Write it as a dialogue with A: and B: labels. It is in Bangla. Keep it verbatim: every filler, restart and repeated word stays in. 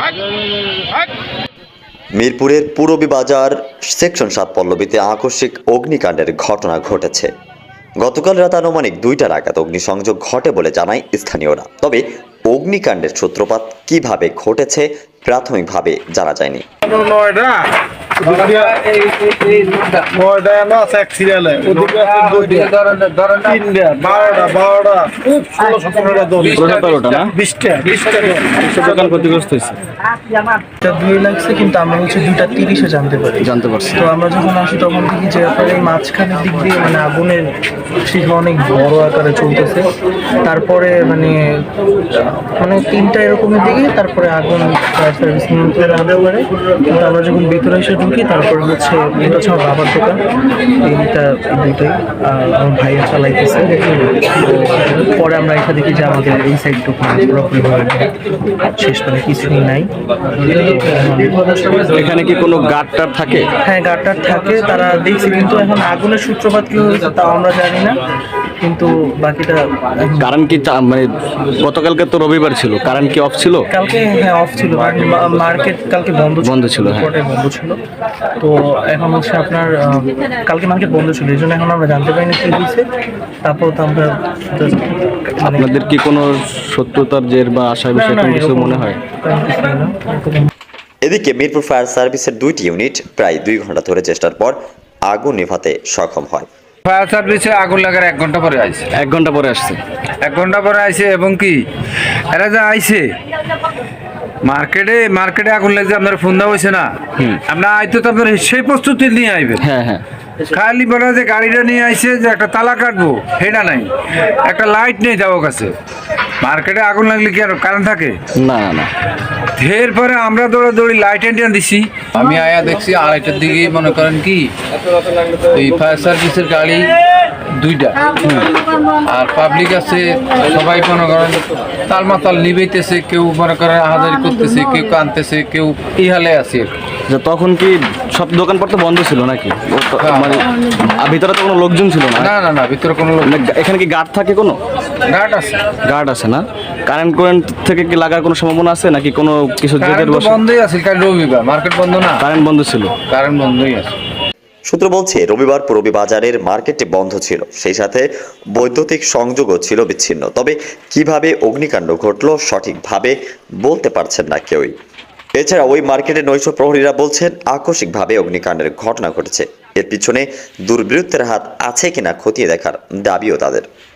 A: মিরপুরের পূরবী বাজার সেকশন সাত পল্লবীতে আকস্মিক অগ্নিকাণ্ডের ঘটনা ঘটেছে। গতকাল রাত আনুমানিক দুইটা নাগাদ অগ্নিসংযোগ ঘটে বলে জানায় স্থানীয়রা। তবে অগ্নিকাণ্ডের সূত্রপাত কিভাবে ঘটেছে প্রাথমিকভাবে জানা যায়নি।
B: কিন্তু আমরা হচ্ছে দুইটা তিরিশে জানতে পারি জানতে পারছি তো আমরা যখন আসি তখন দেখি যে আপনার এই মাঝখানের দিক দিয়ে মানে আগুনের শিখা অনেক বড় আকারে চলতেছে। তারপরে মানে মানে তিনটা এরকমের দিকে তারপরে আগুন ফায়ার সার্ভিস নিয়ন্ত্রণে আনতে পারে। কিন্তু আমরা যখন ভিতরে এসে ঢুকি তারপরে হচ্ছে এটা হচ্ছে আমার বাবার দোকান, এইটা দুইটাই আমার ভাইয়া চালাইতেছে। পরে আমরা এখানে দেখি যে আমাদের এই সাইড দোকান পুরোপুরি শেষ মানে কিছুই নাই।
C: এখানে কি কোনো গার্ড টার থাকে?
B: হ্যাঁ, গার্ড টার থাকে, তারা দেখছে, কিন্তু এখন আগুনের সূত্রপাত কি হয়েছে তাও আমরা জানি না। কিন্তু বাকিটা
C: কারণ কি মানে গতকালকে তো রবিবার ছিল, কারণ কি অফ ছিল?
B: কালকে হ্যাঁ অফ ছিল, মার্কেট কালকে বন্ধ
C: বন্ধ ছিল হ্যাঁ
B: বন্ধ ছিল। তো এখন হচ্ছে আপনার কালকে মার্কেট বন্ধ ছিল, এই জন্য এখন আমরা জানতে পারিনি কি হয়েছে। তারপর তো আমরা
C: আপনাদের কি কোনো শত্রুতার জের বা আশার বিষয় কিছু মনে হয়?
A: এদিকে মিরপুর ফায়ার সার্ভিসের দুইটি ইউনিট প্রায় দুই ঘন্টা ধরে চেষ্টার পর আগুন নেভাতে সক্ষম হয়।
D: ফায়ার সার্ভিসে আগুন লাগার এক ঘন্টা পরে আইছে
C: এক ঘন্টা পরে আসছে
D: এক ঘন্টা পরে আইছে এবং কি এরা যা আইছে মার্কেটে মার্কেটে আগুন লাগছে, আপনার ফোন দেওয়া হয়েছে না? আপনার আইতো তো আপনার সেই প্রস্তুতি নিয়ে আইবেন।
C: হ্যাঁ হ্যাঁ
D: খালি বলা যে গাড়িটা নিয়ে আইছে যে একটা তালা কাটবো সেটা নাই, একটা লাইট নেই যাওয়ার কাছে। মার্কেটে আগুন লাগলে কি আর কারণ থাকে?
C: না না না
D: এরপরে আমরা দৌড়াদৌড়ি লাইট এন্টিয়া দিছি। আমি আয়া দেখছি আড়াইটার দিকে মনে করেন কি এই ফায়ার সার্ভিসের গাড়ি দুইটা আর পাবলিক আছে, সবাই মনে করেন তাল মাতাল নিবেইতেছে, কেউ মনে করেন আহাজারি করতেছে, কেউ কানতেছে, কেউ এই হালে আছে।
C: তখন কি সব দোকানপাট তো বন্ধ ছিল নাকি? মানে ভিতরে তো কোনো লোকজন ছিল না?
D: না না না ভিতরে কোনো লোক।
C: এখানে কি গার্ড থাকে? কোনো
D: গার্ড আছে?
C: গার্ড আছে না? কারেন্ট কারেন্ট থেকে কি লাগার কোনো সম্ভাবনা আছে নাকি? কোনো কিছু
D: বন্ধই আছে, কারণ রবিবার মার্কেট বন্ধ না,
C: কারেন্ট বন্ধ ছিল,
D: কারেন্ট বন্ধই আছে।
A: সূত্র বলছে রবিবার পূরবী বাজারের মার্কেটটি বন্ধ ছিল, সেই সাথে বৈদ্যুতিক সংযোগও ছিল বিচ্ছিন্ন। তবে কিভাবে অগ্নিকাণ্ড ঘটল সঠিকভাবে বলতে পারছেন না কেউই। এছাড়া ওই মার্কেটের নৈশ প্রহরীরা বলছেন আকস্মিকভাবে অগ্নিকাণ্ডের ঘটনা ঘটেছে। এর পিছনে দুর্বৃত্তের হাত আছে কিনা খতিয়ে দেখার দাবিও তাদের।